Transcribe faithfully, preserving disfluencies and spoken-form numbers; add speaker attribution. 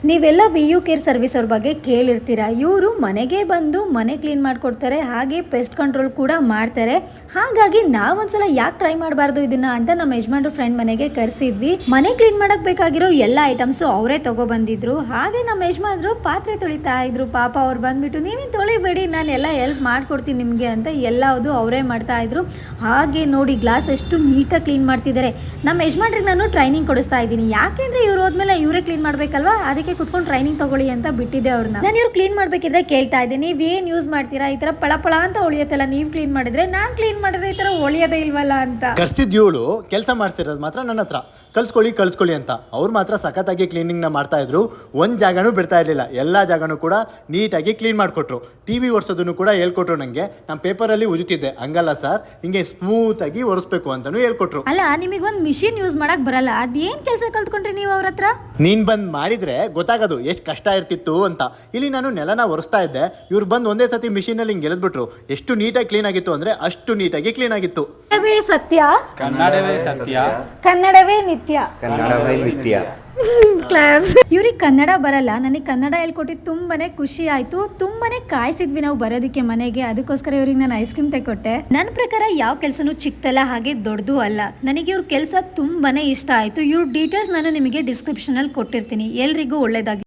Speaker 1: ನೀವೆಲ್ಲ V you care service ಅವ್ರ ಬಗ್ಗೆ ಕೇಳಿರ್ತೀರಾ. ಇವರು ಮನೆಗೆ ಬಂದು ಮನೆ ಕ್ಲೀನ್ ಮಾಡ್ಕೊಡ್ತಾರೆ, ಹಾಗೆ ಪೆಸ್ಟ್ ಕಂಟ್ರೋಲ್ ಕೂಡ ಮಾಡ್ತಾರೆ. ಹಾಗಾಗಿ ನಾವೊಂದ್ಸಲ ಯಾಕೆ ಟ್ರೈ ಮಾಡಬಾರ್ದು ಇದನ್ನ ಅಂತ ನಮ್ಮ ಯಜಮಾನ್ರು ಫ್ರೆಂಡ್ ಮನೆಗೆ ಕರೆಸಿದ್ವಿ. ಮನೆ ಕ್ಲೀನ್ ಮಾಡಕ್ ಬೇಕಾಗಿರೋ ಎಲ್ಲ ಐಟಮ್ಸ್ ಅವರೇ ತಗೋ ಬಂದಿದ್ರು. ಹಾಗೆ ನಮ್ಮ ಯಜಮಾನ್ರು ಪಾತ್ರೆ ತೊಳಿತಾ ಇದ್ರು. ಪಾಪ ಅವ್ರು ಬಂದ್ಬಿಟ್ಟು ನೀವೇನು ತೊಳಿಬೇಡಿ, ನಾನು ಎಲ್ಲ ಹೆಲ್ಪ್ ಮಾಡ್ಕೊಡ್ತೀನಿ ನಿಮಗೆ ಅಂತ ಎಲ್ಲವುದು ಅವರೇ ಮಾಡ್ತಾ ಇದ್ರು. ಹಾಗೆ ನೋಡಿ ಗ್ಲಾಸ್ ಎಷ್ಟು ನೀಟಾಗಿ ಕ್ಲೀನ್ ಮಾಡ್ತಿದ್ದಾರೆ. ನಮ್ಮ ಯಜಮಾನ್ರಿಗೆ ನಾನು ಟ್ರೈನಿಂಗ್ ಕೊಡಿಸ್ತಾ ಇದ್ದೀನಿ. ಯಾಕೆಂದ್ರೆ ಇವ್ರು ಹೋದ್ಮೇಲೆ ಇವರೇ ಕ್ಲೀನ್ ಮಾಡ್ಬೇಕಲ್ವಾ, ಅದಕ್ಕೆ ಕುತ್ಕೊಂಡು ಟ್ರೈನಿಂಗ್ ತಗೊಳ್ಳಿ ಅಂತ ಬಿಟ್ಟಿದ್ದೆ ಅವ್ರನ್ನ. ನಾನು ಇವ್ರು ಕ್ಲೀನ್ ಮಾಡ್ಬೇಕಿದ್ರೆ ಕೇಳ್ತಾ ಇದ್ದೆ, ನೀವ್ ಏನ್ ಯೂಸ್ ಮಾಡ್ತೀರಾ, ಈ ತರ ಪಳ ಪಳ ಅಂತ ಉಳಿಯತ್ತಲ್ಲ, ನೀವ್ ಕ್ಲೀನ್ ಮಾಡಿದ್ರೆ, ನಾನ್ ಕ್ಲೀನ್ ಮಾಡಿದ್ರೆ ಈ ತರ ಉಳಿಯೋದೇ ಇಲ್ವಲ್ಲ ಅಂತ.
Speaker 2: ಕರ್ಸಿದ್ ಇವಳು ಕೆಲಸ ಮಾಡ್ಸಿರೋದು ಮಾತ್ರ ನನ್ನ ಹತ್ರ ಕಲ್ಸ್ಕೊಳ್ಳಿ ಕಲ್ಸ್ಕೊಳ್ಳಿ ಅಂತ. ಅವ್ರು ಮಾತ್ರ ಸಖತ್ತಾಗಿ ಕ್ಲೀನಿಂಗ್ ನ ಮಾಡ್ತಾ ಇದ್ರು. ಒಂದ್ ಜಾಗನೂ ಬಿಡ್ತಾ ಇರ್ಲಿಲ್ಲ, ಎಲ್ಲಾ ಜಾಗನೂ ಕೂಡ ನೀಟಾಗಿ ಕ್ಲೀನ್ ಮಾಡ್ಕೊಟ್ರು. ಟಿವಿ ಒರೆಸೋದನ್ನು ಕೂಡ ಹೇಳ್ಕೊಟ್ರು. ನಂಗೆ ನಾನು ಪೇಪರ್ ಅಲ್ಲಿ ಉಜ್ತಿದ್ದೆ, ಹಂಗಲ್ಲ ಸರ್, ಹಿಂಗೆ ಸ್ಮೂತ್ ಆಗಿ ಒರೆಸ್ಬೇಕು ಅಂತಾನು ಹೇಳ್ಕೊಟ್ರು.
Speaker 1: ಅಲ್ಲ, ನಿಮಗೆ ಒಂದ್ ಮಿಷಿನ್ ಯೂಸ್ ಮಾಡಕ್ ಬರಲ್ಲ, ಅದೇನ್ ಕೆಲಸ ಕಲ್ತ್ಕೊಂಡ್ರಿ ನೀವು ಅವ್ರ ಹತ್ರ?
Speaker 2: ನೀನ್ ಬಂದ್ ಮಾಡಿದ್ರೆ ಗೊತ್ತಾಗೋದು ಎಷ್ಟು ಕಷ್ಟ ಇರ್ತಿತ್ತು ಅಂತ. ಇಲ್ಲಿ ನಾನು ನೆಲನ ಒರೆಸ್ತಾ ಇದ್ದೆ, ಇವ್ರು ಬಂದು ಒಂದೇ ಸತಿ ಮಿಷಿನ್ ಅಲ್ಲಿ ಹಿಂಗೆ ಎಳೆದ್ಬಿಟ್ರು. ಎಷ್ಟು ನೀಟಾಗಿ ಕ್ಲೀನ್ ಆಗಿತ್ತು ಅಂದ್ರೆ ಅಷ್ಟು ನೀಟಾಗಿ ಕ್ಲೀನ್ ಆಗಿತ್ತು.
Speaker 1: ಕನ್ನಡವೇ ಸತ್ಯ,
Speaker 3: ಕನ್ನಡವೇ ಸತ್ಯ,
Speaker 1: ಕನ್ನಡವೇ ನಿತ್ಯ,
Speaker 4: ಕನ್ನಡವೇ ನಿತ್ಯ.
Speaker 1: ಇವ್ರಿಗೆ ಕನ್ನಡ ಬರಲ್ಲ, ನನಗೆ ಕನ್ನಡ ಹೇಳ್ಕೊಟ್ಟಿದ್ದು ತುಂಬಾನೇ ಖುಷಿ ಆಯ್ತು. ತುಂಬಾನೇ ಕಾಯಿಸಿದ್ವಿ ನಾವು ಬರೋದಕ್ಕೆ ಮನೆಗೆ, ಅದಕ್ಕೋಸ್ಕರ ಇವ್ರಿಗೆ ನಾನು ಐಸ್ ಕ್ರೀಮ್ ತೆಕೊಟ್ಟೆ. ನನ್ನ ಪ್ರಕಾರ ಯಾವ ಕೆಲಸನೂ ಚಿಕ್ಕದಲ್ಲ, ಹಾಗೆ ದೊಡ್ಡದು ಅಲ್ಲ. ನನಗೆ ಇವ್ರ ಕೆಲಸ ತುಂಬಾನೇ ಇಷ್ಟ ಆಯ್ತು. ಇವ್ರ ಡೀಟೇಲ್ಸ್ ನಾನು ನಿಮಗೆ ಡಿಸ್ಕ್ರಿಪ್ಷನ್ ಅಲ್ಲಿ ಕೊಟ್ಟಿರ್ತೀನಿ. ಎಲ್ರಿಗೂ ಒಳ್ಳೇದಾಗಿ